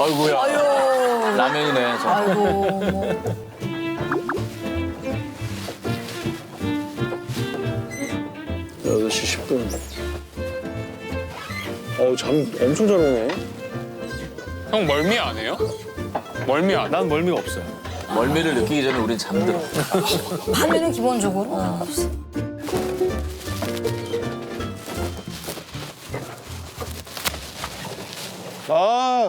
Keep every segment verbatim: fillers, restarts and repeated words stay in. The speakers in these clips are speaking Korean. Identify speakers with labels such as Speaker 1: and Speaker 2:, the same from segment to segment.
Speaker 1: 아이고야.
Speaker 2: 아유.
Speaker 1: 라면이네. 저.
Speaker 2: 아이고.
Speaker 3: 여덟 시 십 분. 어우, 잠 엄청 잘 오네.
Speaker 4: 형 멀미 안 해요? 멀미 안 해?
Speaker 3: 난 멀미가 없어요.
Speaker 1: 멀미를 느끼기 전에 우린 잠들어.
Speaker 2: 밤에는 기본적으로 없어.
Speaker 3: 아.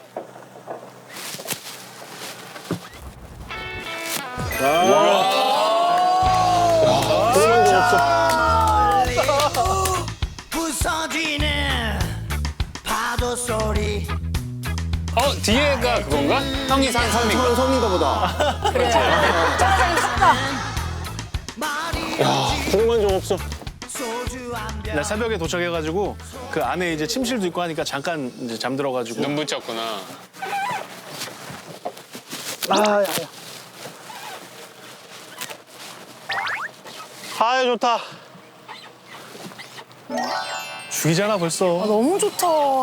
Speaker 5: 부서지는 파도 소리
Speaker 4: 어 뒤에가 그건가? 형이 산 섬인가?
Speaker 3: 섬인가 보다.
Speaker 2: 그래. 짜장이 춥다.
Speaker 3: 궁금한 적 없어.
Speaker 5: 소주 한병
Speaker 3: 나 새벽에 도착해가지고 그 안에 이제 침실도 있고 하니까 잠깐 이제 잠들어가지고.
Speaker 4: 눈 붙였구나.
Speaker 3: 아, 야, 야. 아, 좋다. 죽이잖아 벌써.
Speaker 2: 너무 좋다.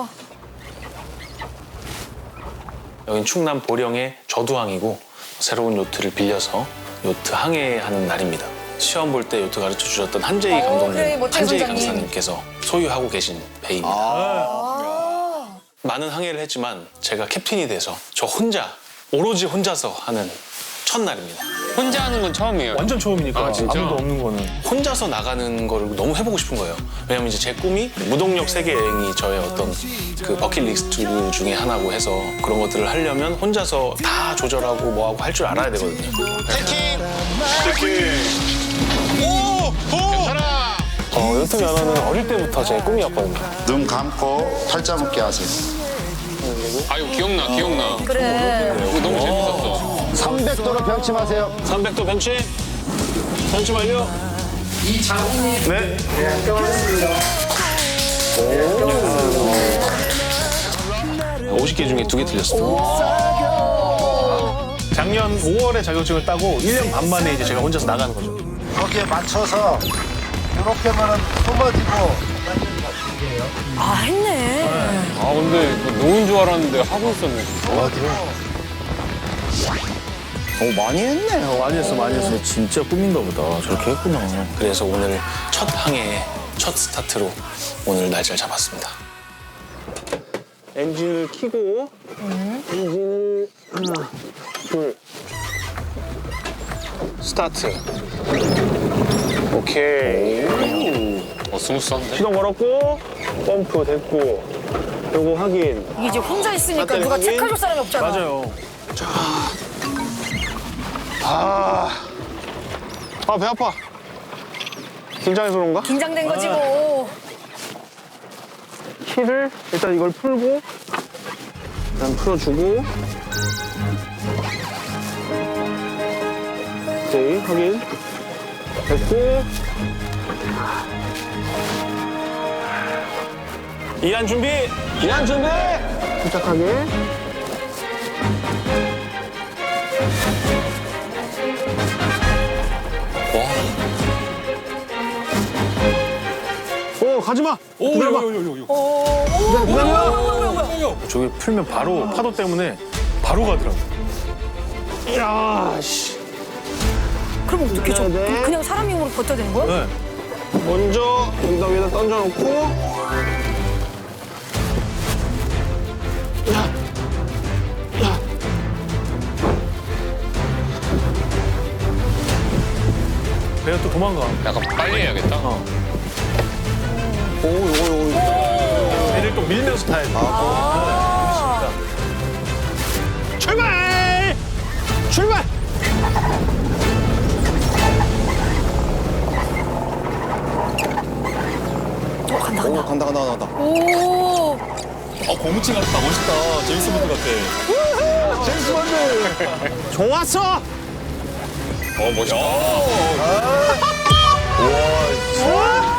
Speaker 6: 여긴 충남 보령의 저두항이고 새로운 요트를 빌려서 요트 항해하는 날입니다. 시험 볼 때 요트 가르쳐 주셨던 한재희
Speaker 2: 어,
Speaker 6: 감독님,
Speaker 2: 그래, 멋진
Speaker 6: 한재희
Speaker 2: 선장님.
Speaker 6: 강사님께서 소유하고 계신 배입니다.
Speaker 2: 아.
Speaker 6: 많은 항해를 했지만 제가 캡틴이 돼서 저 혼자 오로지 혼자서 하는 첫날입니다.
Speaker 4: 혼자 하는 건 처음이에요.
Speaker 3: 완전 처음이니까.
Speaker 4: 아, 진짜?
Speaker 3: 아무도 없는 거는.
Speaker 6: 혼자서 나가는 거를 너무 해보고 싶은 거예요. 왜냐면 이제 제 꿈이 무동력 세계 여행이 저의 어떤 그 버킷리스트 중에 하나고 해서 그런 것들을 하려면 혼자서 다 조절하고 뭐하고 할 줄 알아야 되거든요.
Speaker 4: 괜찮아.
Speaker 6: 어, 요트 면허는 어릴 때부터 제 꿈이었거든요.
Speaker 7: 눈 감고 팔자 묶기 하세요.
Speaker 4: 아유 기억나 기억나.
Speaker 2: 그래.
Speaker 4: 이거 너무 재밌었어.
Speaker 7: 삼백 도로 병침하세요.
Speaker 6: 삼백 도 벤치. 벤치 완료.
Speaker 3: 네.
Speaker 6: 오십 개 중에 두 개 틀렸어요.
Speaker 3: 작년 오월에 자격증을 따고 일 년 반 만에 이제 제가 혼자서 나가는 거죠.
Speaker 7: 거기에 맞춰서 이렇게만은 숨어지고
Speaker 2: 아, 했네.
Speaker 4: 아 근데 이거 노은 줄 알았는데 하고 있었네.
Speaker 3: 어, 많이 했네. 많이 했어, 많이 했어. 진짜 꿈인가 보다. 저렇게 했구나.
Speaker 6: 그래서 오늘 첫 항해, 첫 스타트로 오늘 날짜를 잡았습니다.
Speaker 3: 엔진을 켜고 엔진을 하나, 둘, 스타트. 오케이.
Speaker 4: 어 스무스한데?
Speaker 3: 시동 걸었고 펌프 됐고 요거 확인.
Speaker 2: 이게 이제 혼자 있으니까
Speaker 3: 배터리
Speaker 2: 누가
Speaker 3: 확인.
Speaker 2: 체크해줄 사람이 없잖아.
Speaker 3: 맞아요. 자, 아, 아 배 아파. 긴장해서 그런가?
Speaker 2: 긴장된 거지 뭐.
Speaker 3: 키를 일단 이걸 풀고 일단 풀어주고 오케이 확인 됐고 이안 준비 이안 준비 침착하게 오 가지마 기다려봐 기다려 저기 풀면 바로 파도 때문에 바로 가더라고 이야 씨
Speaker 2: 그럼 어떻게 저
Speaker 3: 네.
Speaker 2: 그냥 사람 힘으로 버텨야 되는 거야?
Speaker 3: 네. 먼저 여기다 위에다 던져놓고 야, 야. 배가 또 도망가.
Speaker 4: 약간 빨리 해야겠다.
Speaker 3: 어. 오, 요거, 요거. 배를 또 밀면서 타야 돼. 아, 네. 출발! 출발!
Speaker 2: 어, 간다, 간다.
Speaker 7: 오 간다 간다 간다.
Speaker 2: 오.
Speaker 1: 어, 고무치 같다. 멋있다. 제임스 본드 같아.
Speaker 3: 제임스 본드! 좋았어!
Speaker 4: 어 멋있다.
Speaker 3: 와,